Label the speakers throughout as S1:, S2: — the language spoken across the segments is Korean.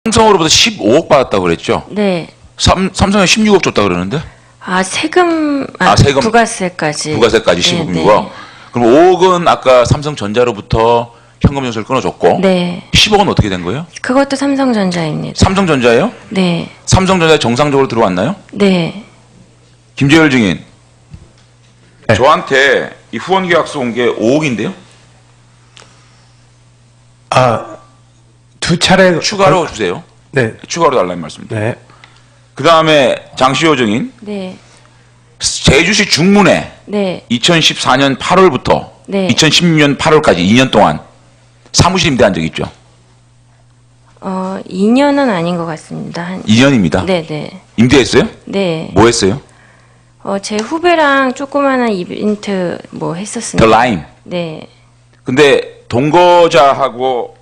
S1: 삼성으로부터 15억 받았다고 그랬죠?
S2: 네.
S1: 삼성에 16억 줬다 그러는데?
S2: 세금,
S1: 세금.
S2: 부가세까지.
S1: 부가세까지
S2: 네,
S1: 15억이고.
S2: 네.
S1: 그럼 5억은 아까 삼성전자로부터 현금 연수를 끊어줬고.
S2: 네.
S1: 10억은 어떻게 된 거예요?
S2: 그것도 삼성전자입니다.
S1: 삼성전자예요?
S2: 네.
S1: 삼성전자에 정상적으로 들어왔나요?
S2: 네.
S1: 김재열 증인.
S3: 네.
S1: 저한테 이 후원 계약서 온 게 5억인데요?
S3: 두 차례
S1: 추가로 주세요.
S3: 네.
S1: 추가로 달라는 말씀입니다.
S3: 네.
S1: 그 다음에 장시호 증인.
S2: 네.
S1: 제주시 중문에
S2: 네.
S1: 2014년 8월부터
S2: 네.
S1: 2016년 8월까지 2년 동안 사무실 임대한 적 있죠?
S2: 2년은 아닌 것 같습니다.
S1: 2년입니다.
S2: 네네.
S1: 임대했어요?
S2: 네.
S1: 뭐 했어요?
S2: 제 후배랑 조그마한 이벤트 뭐 했었습니다.
S1: 더 라임.
S2: 네.
S1: 근데 동거자하고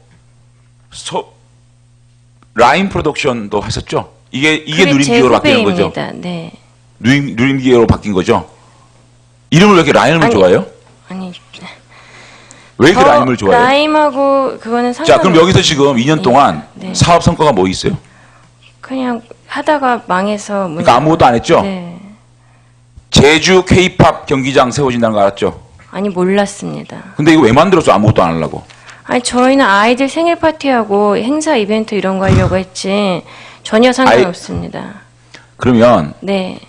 S1: 라임 프로덕션도 했었죠? 이게
S2: 그게
S1: 누림기어로
S2: 제
S1: 바뀌는 거죠?
S2: 후배입니다. 네.
S1: 누림기어로 바뀐 거죠? 이름을 왜 이렇게 라임을
S2: 아니,
S1: 좋아해요?
S2: 아니.
S1: 왜 이렇게 라임을 좋아해요?
S2: 라임하고 그거는 상관.
S1: 자, 그럼 여기서 지금 2년 동안
S2: 네.
S1: 사업 성과가 뭐 있어요?
S2: 그냥 하다가 망해서.
S1: 그러니까 아무것도 안 했죠?
S2: 네.
S1: 제주 K-팝 경기장 세워진다는 거 알았죠?
S2: 아니 몰랐습니다.
S1: 근데 이거 왜 만들었어? 아무것도 안 하려고.
S2: 아니 저희는 아이들 생일 파티하고 행사 이벤트 이런 거 하려고 했지 전혀 상관없습니다.
S1: 그러면
S2: 네.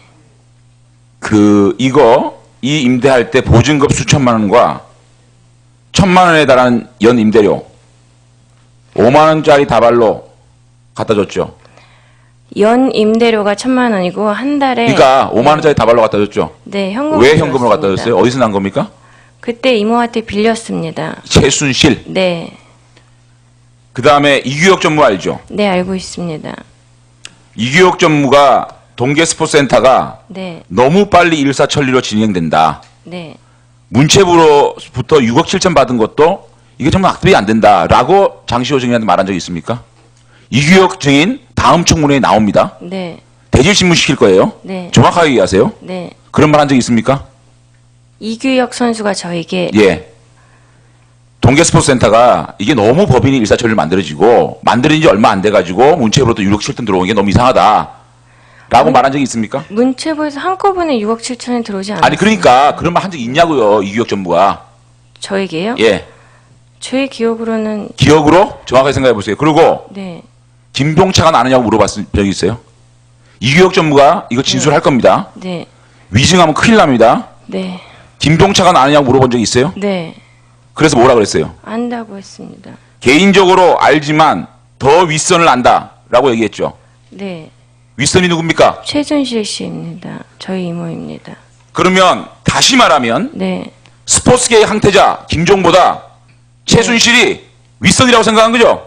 S1: 이 임대할 때 보증금 수천만 원과 1,000만 원에 달하는 연 임대료 5만 원짜리 다발로 갖다 줬죠.
S2: 연 임대료가 1,000만 원이고 한 달에.
S1: 그러니까 5만 원짜리 다발로 갖다 줬죠.
S2: 네, 현금.
S1: 왜 현금으로 갖다 줬어요? 어디서 난 겁니까?
S2: 그때 이모한테 빌렸습니다.
S1: 최순실.
S2: 네.
S1: 그 다음에 이규혁 전무 알죠?
S2: 네, 알고 있습니다.
S1: 이규혁 전무가 동계스포츠센터가
S2: 네.
S1: 너무 빨리 일사천리로 진행된다.
S2: 네.
S1: 문체부로부터 6억 7천 받은 것도 이게 정말 악습이 안 된다라고 장시호 증인한테 말한 적이 있습니까? 이규혁 증인 다음 청문회에 나옵니다.
S2: 네.
S1: 대질신문 시킬 거예요.
S2: 네.
S1: 정확하게 얘기하세요.
S2: 네.
S1: 그런 말 한 적 있습니까?
S2: 이규혁 선수가 저에게.
S1: 예. 동계스포츠센터가 이게 너무 법인이 일사천리로 만들어진 지 얼마 안 돼가지고 문체부로부터 6억 7천 들어온 게 너무 이상하다. 라고 말한 적이 있습니까?
S2: 문체부에서 한꺼번에 6억 7천이 들어오지 않았어요.
S1: 아니 그러니까 그런 말 한 적 있냐고요. 이규혁 전무가.
S2: 저에게요?
S1: 예.
S2: 제 기억으로는.
S1: 기억으로 정확하게 생각해 보세요. 그리고
S2: 네.
S1: 김병차가 아느냐고 물어봤을 적이 있어요. 이규혁 전무가 이거 진술할 겁니다.
S2: 네.
S1: 위증하면 큰일 납니다.
S2: 네.
S1: 김병차가 아느냐고 물어본 적이 있어요.
S2: 네.
S1: 그래서 뭐라 그랬어요?
S2: 안다고 했습니다.
S1: 개인적으로 알지만 더 윗선을 안다라고 얘기했죠.
S2: 네.
S1: 윗선이 누굽니까?
S2: 최순실 씨입니다. 저희 이모입니다.
S1: 그러면 다시 말하면
S2: 네.
S1: 스포츠계의 항태자 김종보다 최순실이 윗선이라고 생각한 거죠?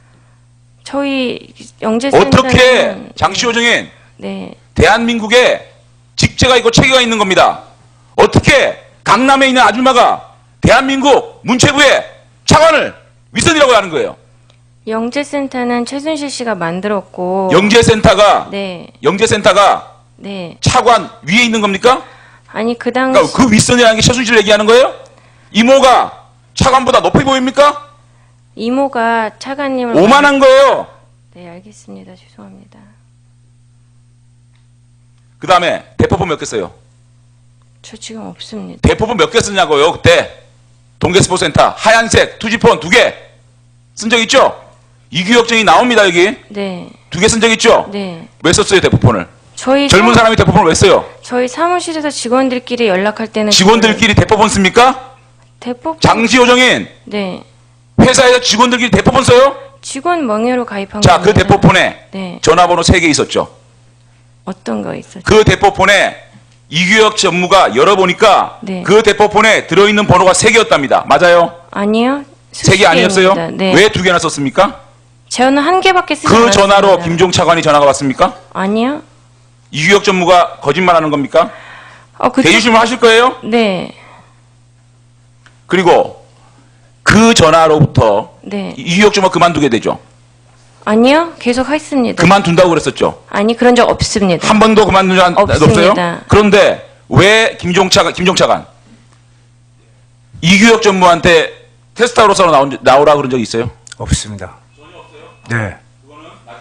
S2: 저희 영재센터는.
S1: 어떻게 장시호 증인
S2: 네.
S1: 대한민국에 직제가 있고 체계가 있는 겁니다. 어떻게 강남에 있는 아줌마가 대한민국 문체부의 차관을 윗선이라고 하는 거예요?
S2: 영재센터는 최순실 씨가 만들었고.
S1: 영재센터가
S2: 네.
S1: 영재센터가
S2: 네.
S1: 차관 위에 있는 겁니까?
S2: 아니 그 당시.
S1: 그러니까 그 윗선이라는 게 최순실 얘기하는 거예요? 이모가 차관보다 높이 보입니까?
S2: 이모가 차관님을.
S1: 오만한 거예요.
S2: 네, 알겠습니다. 죄송합니다.
S1: 그 다음에 대포폰 몇 개 써요?
S2: 저 지금 없습니다.
S1: 대포폰 몇 개 쓰냐고요? 그때 동계스포츠센터 하얀색 투지폰 2개 쓴 적 있죠? 이규혁 증이 나옵니다. 여기
S2: 네.
S1: 2개 쓴 적 있죠?
S2: 네.
S1: 왜 썼어요 대포폰을?
S2: 저희
S1: 젊은 사람이 대포폰을 왜 써요?
S2: 저희 사무실에서 직원들끼리 연락할 때는.
S1: 직원들끼리 대포폰 씁니까?
S2: 대포.
S1: 장시호 정인
S2: 네.
S1: 회사에서 직원들끼리 대포폰 써요?
S2: 직원 명예로 가입한
S1: 자, 그
S2: 겁니다.
S1: 대포폰에
S2: 네.
S1: 전화번호 3개 있었죠.
S2: 어떤 거 있었죠?
S1: 그 대포폰에 이규혁 전무가 열어보니까
S2: 네.
S1: 그 대포폰에 들어있는 번호가 3개였답니다. 맞아요?
S2: 아니요.
S1: 3개 아니었어요?
S2: 네.
S1: 왜 2개나 썼습니까?
S2: 저는 한 개밖에 쓰지
S1: 그
S2: 않았습니다.
S1: 전화로 김종 차관이 전화가 왔습니까?
S2: 아니요.
S1: 이규혁 전무가 거짓말하는 겁니까? 대주심을 하실 거예요?
S2: 네.
S1: 그리고 그 전화로부터
S2: 네.
S1: 이규혁 전무가 그만두게 되죠.
S2: 아니요. 계속 했습니다.
S1: 그만둔다고 그랬었죠.
S2: 아니 그런 적 없습니다.
S1: 한 번도 그만둔 적 없어요?
S2: 없습니다.
S1: 그런데 왜 김종 차관 이규혁 전무한테 테스트하러 나오라 그런 적 있어요?
S3: 없습니다. 전혀 없어요? 네.
S1: 그거는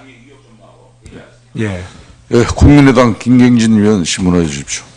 S3: 예.
S4: 예, 국민의당 김경진 의원 신문해 주십시오.